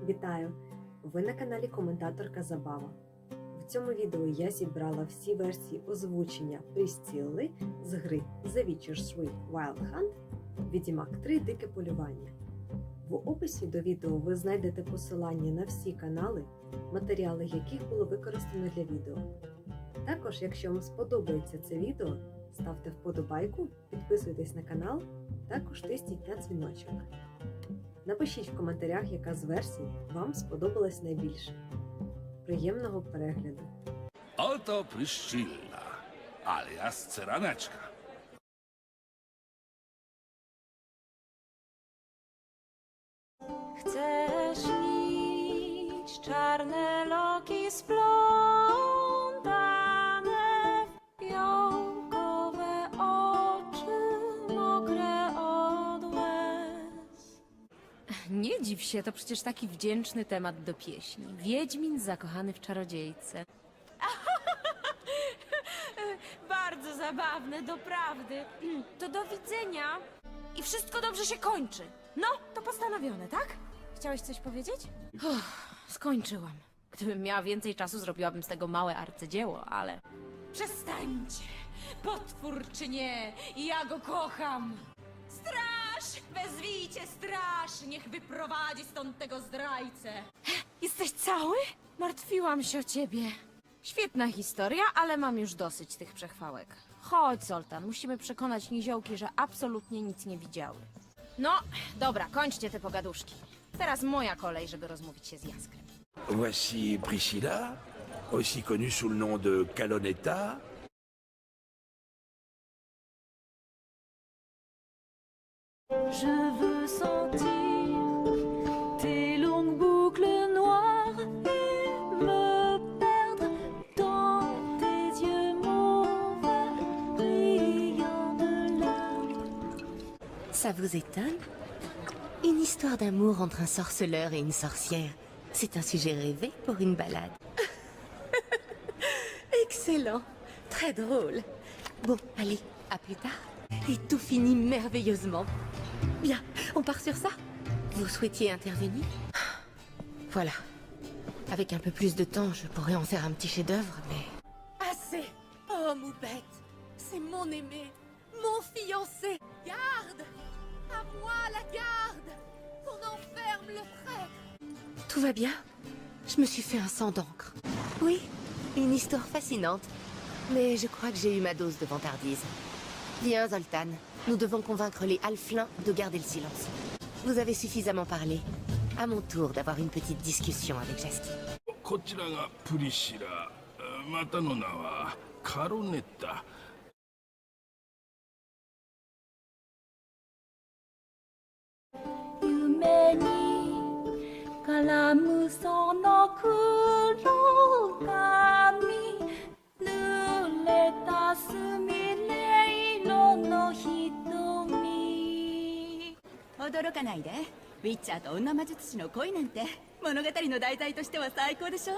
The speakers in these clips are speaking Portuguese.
Вітаю! Ви на каналі Коментаторка Забава. В цьому відео я зібрала всі версії озвучення Прісцилли з гри The Witcher 3 Wild Hunt Відьмак 3 Дике полювання. В описі до відео ви знайдете посилання на всі канали, матеріали яких було використано для відео. Також, якщо вам сподобається це відео, ставте вподобайку, підписуйтесь на канал, також тисніть на дзвіночок. Напишіть в коментарях, яка з версій вам сподобалась найбільше. Приємного перегляду! Oto Pryszcilla, alias Cyraneczka. Chcesz śnić czarne loki splątane w fiołkowe oczy mokre od łez. Nie dziw się, to przecież taki wdzięczny temat do pieśni. Wiedźmin zakochany w czarodziejce. Bardzo zabawne, doprawdy. To do widzenia. I wszystko dobrze się kończy. No, to postanowione, tak? Chciałeś coś powiedzieć? Skończyłam. Gdybym miała więcej czasu, zrobiłabym z tego małe arcydzieło, ale... Przestańcie! Potwór czy nie, ja go kocham! Straż! Wezwijcie straż! Niech wyprowadzi stąd tego zdrajcę! Jesteś cały? Martwiłam się o ciebie. Świetna historia, ale mam już dosyć tych przechwałek. Chodź, Zoltan, musimy przekonać niziołki, że absolutnie nic nie widziały. No, dobra, kończcie te pogaduszki. Teraz moja kolej, żeby rozmówić się z Jaskrem. Voici Priscilla, aussi connue sous le nom de Calonetta. Je veux sentir tes longues boucles noires et me perdre dans tes yeux mauves brillants de larmes. Ça vous étonne? Une histoire d'amour entre un sorceleur et une sorcière. C'est un sujet rêvé pour une balade. Excellent. Très drôle. Bon, allez, à plus tard. Et tout finit merveilleusement. Bien, on part sur ça? Vous souhaitiez intervenir? Voilà. Avec un peu plus de temps, je pourrais en faire un petit chef-d'œuvre, mais... Assez! Oh, Moubette! C'est mon aimé! Mon fiancé! Garde! À moi la garde! Qu'on enferme le prêtre! Tout va bien? Je me suis fait un sang d'encre. Oui, une histoire fascinante. Mais je crois que j'ai eu ma dose de vantardise. Viens, Zoltan. Nous devons convaincre les Halflins de garder le silence. Vous avez suffisamment parlé. À mon tour d'avoir une petite discussion avec Jasky. こちらがプリシラ、またの名はカロネッタ。 夢に絡むその黒髪濡れたすみれ色の瞳驚かないで。ウィッチャーと女魔術師の恋なんて物語の題材としては最高でしょ。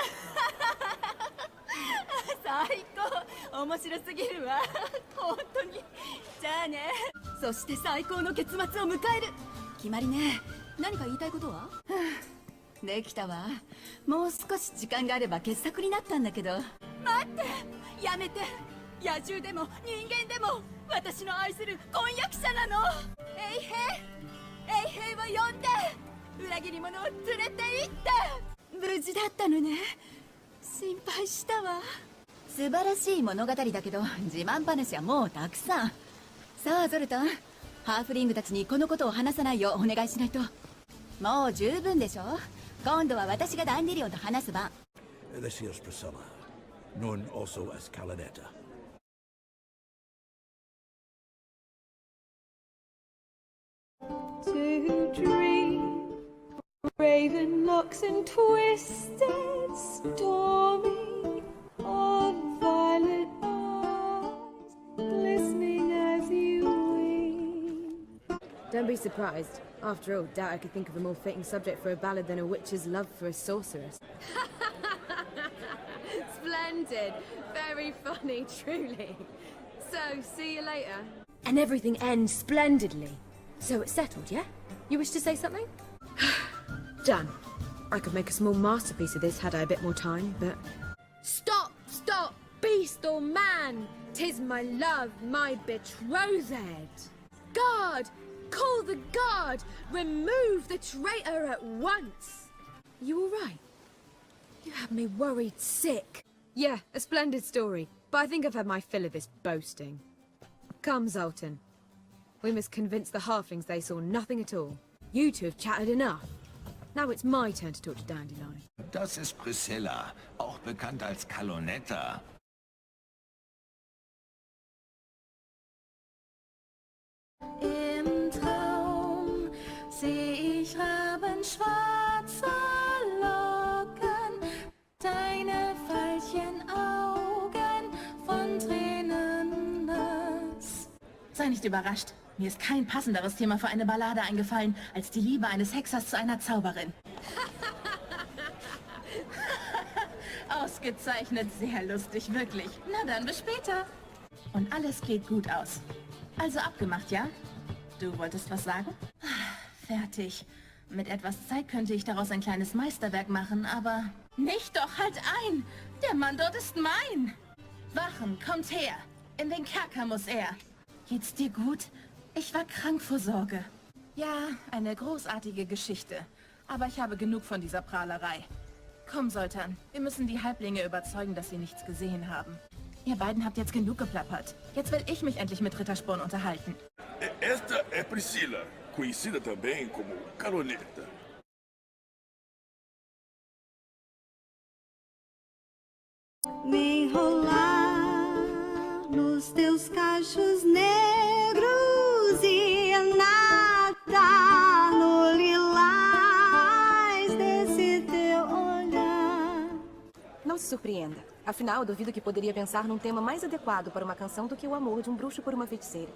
最高、面白すぎるわ。本当に。じゃあね。そして最高の結末を迎える。決まりね。何か言いたいことは？できたわ。もう少し時間があれば傑作になったんだけど。待って、やめて。野獣でも人間でも私の愛する婚約者なの。衛兵を呼んで裏切り者を連れて行って。無事だったのね。心配したわ。素晴らしい物語だけど自慢話はもうたくさん。さあゾルタン、ハーフリングたちにこのことを話さないようお願いしないと。もう十分でしょ。今度は私がダンディリオンと話す番。 This is Priscilla, known also as Calonetta. To dream raven locks and twisted stormy of violet eyes glistening as you weep. Don't be surprised. After all, doubt I could think of a more fitting subject for a ballad than a witch's love for a sorceress. Splendid. Very funny, truly. So, see you later. And everything ends splendidly. So it's settled, yeah? You wish to say something? Done. I could make a small masterpiece of this had I a bit more time, but... Stop! Stop! Beast or man! 'Tis my love, my betrothed! Guard! Call the guard! Remove the traitor at once! You all right? You have me worried sick. Yeah, a splendid story, but I think I've had my fill of this boasting. Come, Zoltan. We must convince the halflings they saw nothing at all. You two have chatted enough. Now it's my turn to talk to Dandelion. Das ist Priscilla, auch bekannt als Kalonetta. Im Traum seh ich rabenschwarze Locken, deine Veilchenaugen von Tränen nass. Sei nicht überrascht. Mir ist kein passenderes Thema für eine Ballade eingefallen, als die Liebe eines Hexers zu einer Zauberin. Ausgezeichnet, sehr lustig, wirklich. Na dann, bis später. Und alles geht gut aus. Also abgemacht, ja? Du wolltest was sagen? Fertig. Mit etwas Zeit könnte ich daraus ein kleines Meisterwerk machen, aber... Nicht doch, halt ein! Der Mann dort ist mein! Wachen, kommt her! In den Kerker muss er! Geht's dir gut? Ich war krank vor Sorge. Ja, eine großartige Geschichte. Aber ich habe genug von dieser Prahlerei. Komm, Sultan. Wir müssen die Halblinge überzeugen, dass sie nichts gesehen haben. Ihr beiden habt jetzt genug geplappert. Jetzt will ich mich endlich mit Rittersporn unterhalten. Esta é Priscila, conhecida também como Caloneta. Me enrolar nos teus cachos negros e nadar no lilás desse teu olhar. Não se surpreenda. Afinal, eu duvido que poderia pensar num tema mais adequado para uma canção do que o amor de um bruxo por uma feiticeira.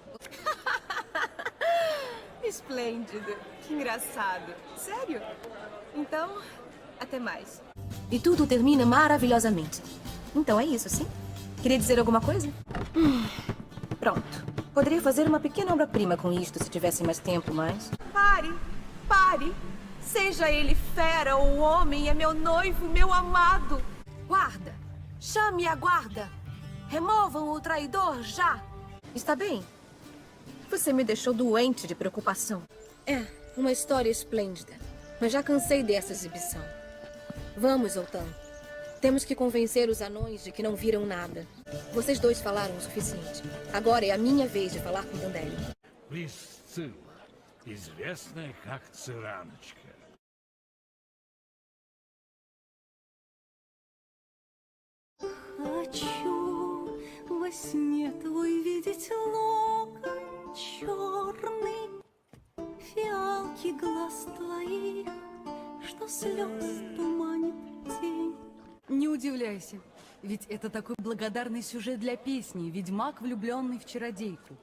Esplêndido. Que engraçado. Sério? Então, até mais. E tudo termina maravilhosamente. Então é isso, sim? Queria dizer alguma coisa? Pronto. Poderia fazer uma pequena obra-prima com isto se tivesse mais tempo, mas... Pare! Pare! Seja ele fera ou homem, é meu noivo, meu amado! Guarda! Chame a guarda! Removam o traidor já! Está bem? Você me deixou doente de preocupação. É, uma história esplêndida. Mas já cansei dessa exibição. Vamos, Zoltan. Temos que convencer os anões de que não viram nada. Vocês dois falaram o suficiente. Agora é a minha vez de falar com Dandelion. Priscilla, известная как Цыраночка. Хочу во сне твой видеть локон черный, фиалки глаз твоих, что слез туманит тень. Не удивляйся, ведь это такой благодарный сюжет для песни «Ведьмак, влюбленный в чародейку».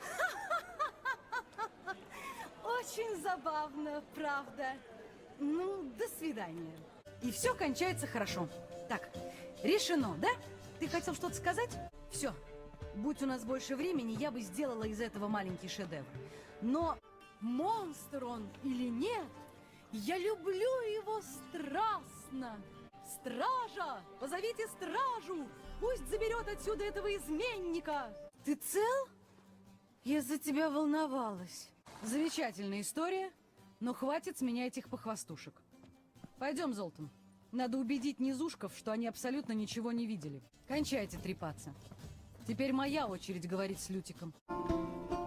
Очень забавно, правда. Ну, до свидания. И все кончается хорошо. Так, решено, да? Ты хотел что-то сказать? Все. Будь у нас больше времени, я бы сделала из этого маленький шедевр. Но монстр он или нет, я люблю его страстно. Стража! Позовите стражу! Пусть заберет отсюда этого изменника! Ты цел? Я за тебя волновалась. Замечательная история, но хватит с меня этих похвастушек. Пойдем, Золтан. Надо убедить низушков, что они абсолютно ничего не видели. Кончайте трепаться. Теперь моя очередь говорить с Лютиком.